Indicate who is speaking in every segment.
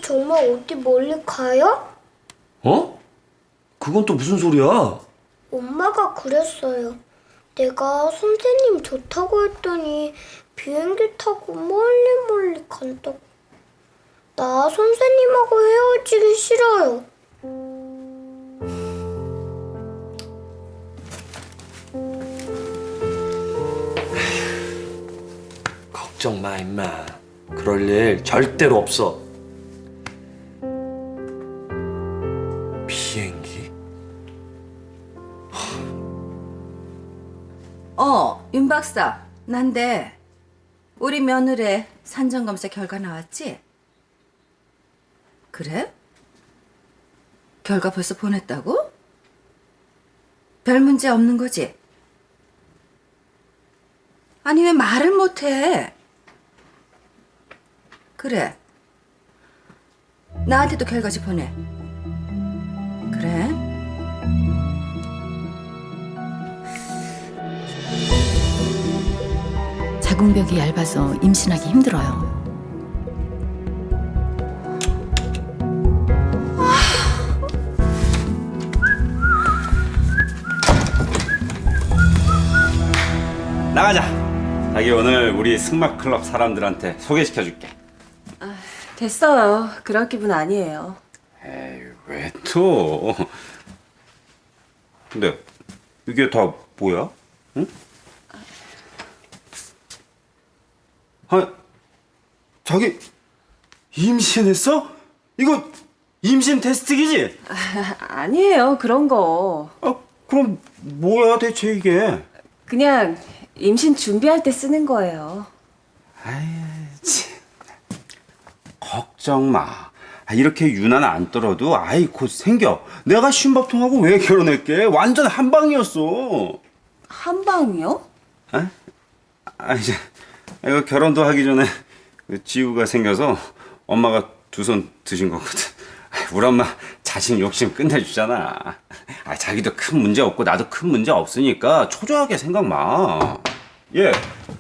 Speaker 1: 정말 어디 멀리 가요?
Speaker 2: 어? 그건 또 무슨 소리야?
Speaker 1: 엄마가 그랬어요. 내가 선생님 좋다고 했더니 비행기 타고 멀리 멀리 간다고. 나 선생님하고 헤어지기 싫어요.
Speaker 2: 걱정 마, 임마. 그럴 일 절대로 없어. 비행기?
Speaker 3: 윤 박사, 난데 우리 며느리 산전검사 결과 나왔지? 그래? 결과 벌써 보냈다고? 별 문제 없는 거지? 아니 왜 말을 못해? 그래. 나한테도 결과지 보내. 그래?
Speaker 4: 자궁벽이 얇아서 임신하기 힘들어요.
Speaker 5: 나가자. 자기 오늘 우리 승마 클럽 사람들한테 소개시켜줄게.
Speaker 6: 됐어요. 그럴 기분 아니에요.
Speaker 5: 에이, 왜 또? 근데 이게 다 뭐야? 응? 아, 자기 임신했어? 이거 임신 테스트기지?
Speaker 6: 아니에요. 그런 거.
Speaker 5: 아, 그럼 뭐야 대체 이게?
Speaker 6: 그냥 임신 준비할 때 쓰는 거예요.
Speaker 5: 아이, 참. 걱정 마. 이렇게 유난 안 떨어도 아이 곧 생겨. 내가 쉰밥통하고 왜 결혼했게? 완전 한방이었어.
Speaker 6: 한 방이요?
Speaker 5: 이제 이거 결혼도 하기 전에 그 지우가 생겨서 엄마가 두 손 드신 거거든. 우리 엄마 자식 욕심 끝내주잖아. 자기도 큰 문제 없고 나도 큰 문제 없으니까 초조하게 생각 마. 예.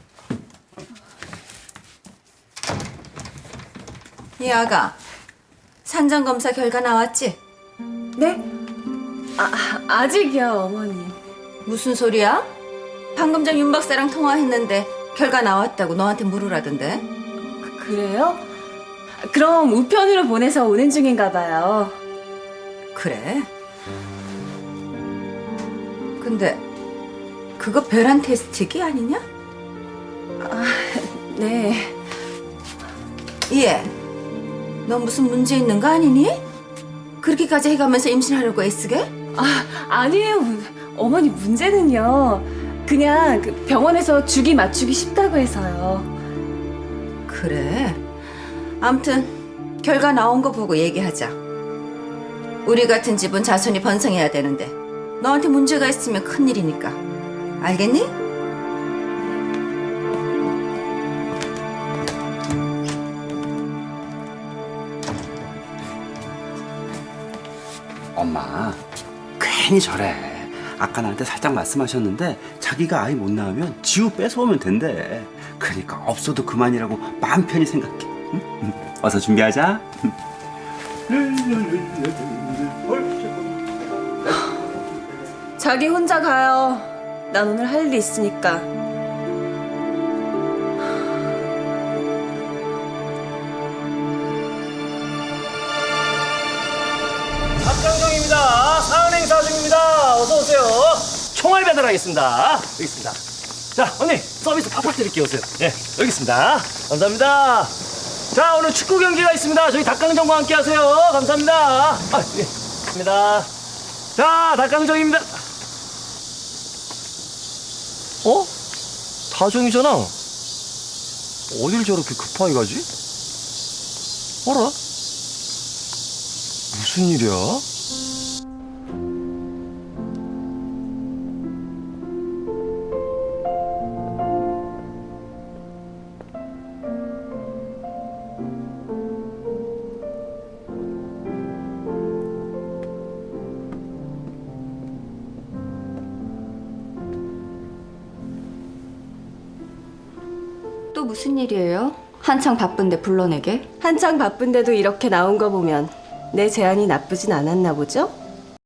Speaker 3: 이 아가, 산전검사 결과 나왔지?
Speaker 6: 네? 아직이요, 어머니.
Speaker 3: 무슨 소리야? 방금 전 윤 박사랑 통화했는데 결과 나왔다고 너한테 물으라던데.
Speaker 6: 그래요? 그럼 우편으로 보내서 오는 중인가 봐요.
Speaker 3: 그래? 근데 그거 벼란 테스트기 아니냐?
Speaker 6: 네.
Speaker 3: 얘, 너 무슨 문제 있는 거 아니니? 그렇게까지 해가면서 임신하려고 애쓰게?
Speaker 6: 아니에요. 어머니 문제는요. 그냥 그 병원에서 주기 맞추기 쉽다고 해서요.
Speaker 3: 그래. 암튼 결과 나온 거 보고 얘기하자. 우리 같은 집은 자손이 번성해야 되는데 너한테 문제가 있으면 큰일이니까. 알겠니?
Speaker 5: 엄마 괜히 저래. 아까 나한테 살짝 말씀하셨는데 자기가 아이 못 낳으면 지우 뺏어오면 된대. 그러니까 없어도 그만이라고 마음 편히 생각해. 응? 어서 준비하자.
Speaker 6: 자기 혼자 가요. 난 오늘 할 일이 있으니까.
Speaker 2: 박강정입니다. 사은 행사 중입니다. 어서 오세요. 총알 배달하겠습니다. 여기 있습니다. 자, 언니 서비스 팍팍 드릴게요. 오세요. 예, 여기 있습니다. 감사합니다. 자, 오늘 축구 경기가 있습니다. 저희 닭강정과 함께 하세요. 감사합니다. 예, 입니다. 자, 닭강정입니다. 어? 다정이잖아. 어딜 저렇게 급하게 가지? 어라? 무슨 일이야?
Speaker 3: 또 무슨 일이에요?
Speaker 7: 한창 바쁜데 불러내게?
Speaker 6: 한창 바쁜데도 이렇게 나온 거 보면 내 제안이 나쁘진 않았나 보죠?